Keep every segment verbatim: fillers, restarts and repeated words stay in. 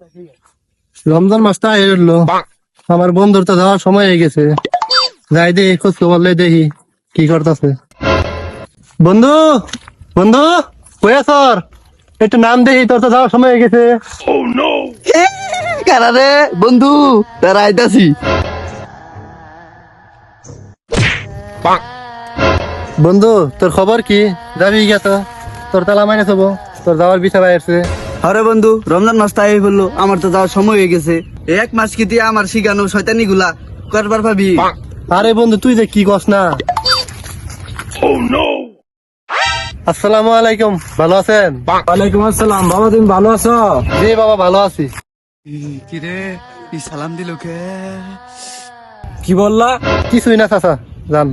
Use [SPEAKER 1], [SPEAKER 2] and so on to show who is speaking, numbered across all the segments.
[SPEAKER 1] রমজান মাসটা এলো, আমার বন্ধুর তো যাওয়ার সময় হয়ে গেছে। যাই দেখি খোঁজ খবর লই দেখি কি করতেছে। বন্ধু বন্ধু কই আছর? একটু নাম দেখি, তোর তো যাওয়ার সময় হয়ে গেছে।
[SPEAKER 2] কারারে বন্ধু তারা আইতাছি।
[SPEAKER 1] বন্ধু তোর খবর কি? যাবি গিয়া তো? তোর তালা মাইনে হবো, তোর যাওয়ার বিষয় আসছে।
[SPEAKER 2] আরে বন্ধু রমজান মাস তাই বললো, আমার তো যাওয়ার সময় হয়ে গেছে। এই এক মাস কি দিয়ে আমার শিখানো শয়তানি গুলা করবার ভাবি।
[SPEAKER 1] আরে বন্ধু তুই যে কি কস না। আসসালামু আলাইকুম, ভালো আছেন?
[SPEAKER 3] ওয়ালাইকুম আসসালাম। বাবা তুমি ভালো আছো?
[SPEAKER 1] জি বাবা ভালো আছি।
[SPEAKER 2] কিরে ই সালাম দিল কে?
[SPEAKER 3] কি বললা?
[SPEAKER 1] কিছুই না চাচা, যান।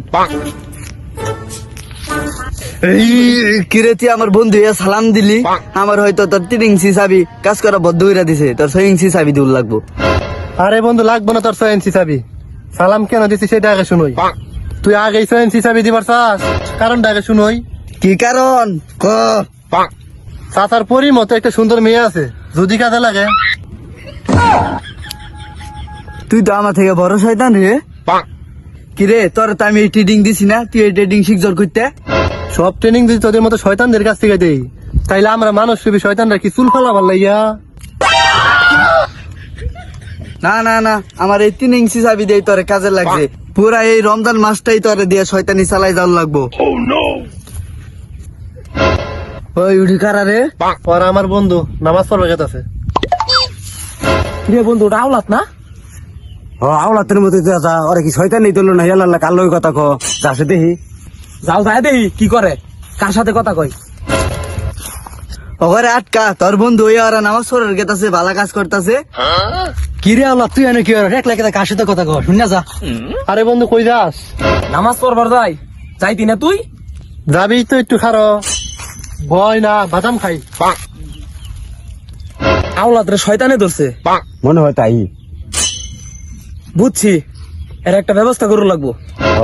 [SPEAKER 2] এই কিরে তুই আমার বন্ধু হইয়া সালাম দিলি, আমার হয়তো তোর তিন ইঞ্চি চাবি কাজ করা বদ্ধ হইরা দিছে, তোর ছয় ইঞ্চি চাবি দূর লাগবো।
[SPEAKER 1] আরে বন্ধু লাগবো না তোর ছয় ইঞ্চি চাবি। সালাম কেন দিছি সেটা আগে শুনোই। তুই আগে ছয় ইঞ্চি চাবি দিবার চাস, কারণটা আগে শুনোই।
[SPEAKER 2] কি কারণ ক?
[SPEAKER 1] চাচার পরি মতো একটা সুন্দর মেয়ে আছে, যদি কাজে লাগে।
[SPEAKER 2] তুই তো আমার থেকে বড় শয়তান রে। কিরে তোর তো আমি এই ট্রেডিং দিছি না, তুই এই ট্রেডিং শিখজর করতে।
[SPEAKER 1] সব ট্রেনিং যদি তোদের মতো শয়তানদের কাছ থেকে দেই, তাইলে আমরা মানুষ রূপী শয়তানরা কি চুল ফালা ভাল লাইয়া?
[SPEAKER 2] না না না, আমার এই তিন ইঞ্চি চাবি দিয়ে তোরে কাজে লাগছে। পুরা এই রমজান মাসটাই তোরে দিয়ে শয়তানি চালাই যাওয়ার লাগবো। ওই উঠি কারা রে?
[SPEAKER 1] ওরা আমার বন্ধু, নামাজ পড়বে গেছে।
[SPEAKER 3] কিরে বন্ধু ওটা আওলাত না?
[SPEAKER 4] ও আওলাতের মধ্যে যা ওরা কি শয়তান নেই তুললো না, ইয়াল্লাহ কাল ওই কথা কো যাচ্ছে দেখি।
[SPEAKER 3] যাও যায় দেখি কি করে, কার সাথে কথা কই।
[SPEAKER 2] ওখানে আটকা, তোর বন্ধু ওই ওরা নামাজ পড়ার গেতাছে, ভালো কাজ করতেছে।
[SPEAKER 4] কি রে আল্লাহ তুই এনে কি এক লাখ কার সাথে কথা কো, শুন না যা।
[SPEAKER 1] আরে বন্ধু কই যাস?
[SPEAKER 3] নামাজ পড়বার যাই যাইতি না তুই?
[SPEAKER 1] যাবি তো একটু খারো, ভয় না, বাদাম খাই।
[SPEAKER 3] আওলাত রে শয়তানে ধরছে।
[SPEAKER 4] মনে হয় তাই।
[SPEAKER 3] বুঝছি, এর একটা ব্যবস্থা করু লাগবো।
[SPEAKER 4] ও,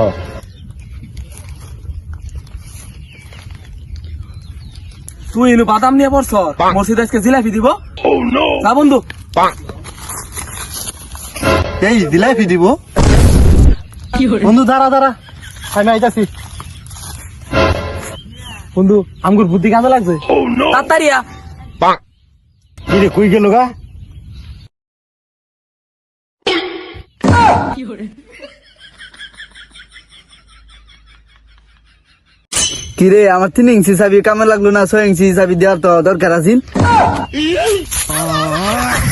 [SPEAKER 3] তুই এনু বাদাম নিয়ে পড়ছ, মসজিদ আজকে জিলাপি দিব। যা বন্ধু।
[SPEAKER 1] এই দিলাই ফি দিব। বন্ধু দাঁড়া দাঁড়া, আমি আইতাছি।
[SPEAKER 3] বন্ধু আমগুর বুদ্ধি কাজে লাগছে। তাড়াতাড়িয়া
[SPEAKER 4] কি রে কই গেল গা?
[SPEAKER 2] কিরে আমার তিন ইঞ্চি চাবি কামে লাগলো না, ছয় ইঞ্চি চাবি দেওয়ার তো দরকার আছিল।